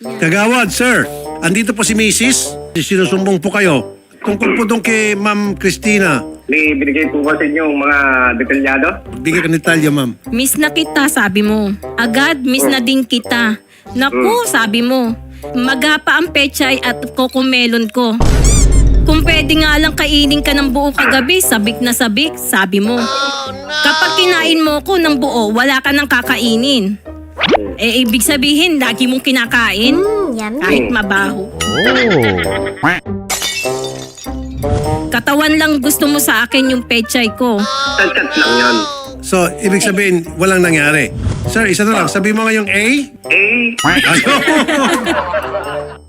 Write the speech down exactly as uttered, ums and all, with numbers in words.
Kagawad, sir. Andito po si Missus Sinusumbong po kayo. Tungkol po doon kay Ma'am Christina. May binigay po ba sa inyo yung mga detalyado? Bigay ka ni Talia, ma'am. Miss na kita, sabi mo. Agad, miss na din kita. Naku, sabi mo. Magapa ang pechay at kokomelon ko. Kung pwede nga lang kainin ka ng buo kagabi, sabik na sabik, sabi mo. Kapag kinain mo ko ng buo, wala ka nang kakainin. Eh, ibig sabihin, lagi mong kinakain? Kahit mabaho. Katawan lang gusto mo sa akin yung pechay ko. Tansat lang yan. So, ibig sabihin, walang nangyari. Sir, isa na lang. Sabi mo nga yung A? Eh, Ayun.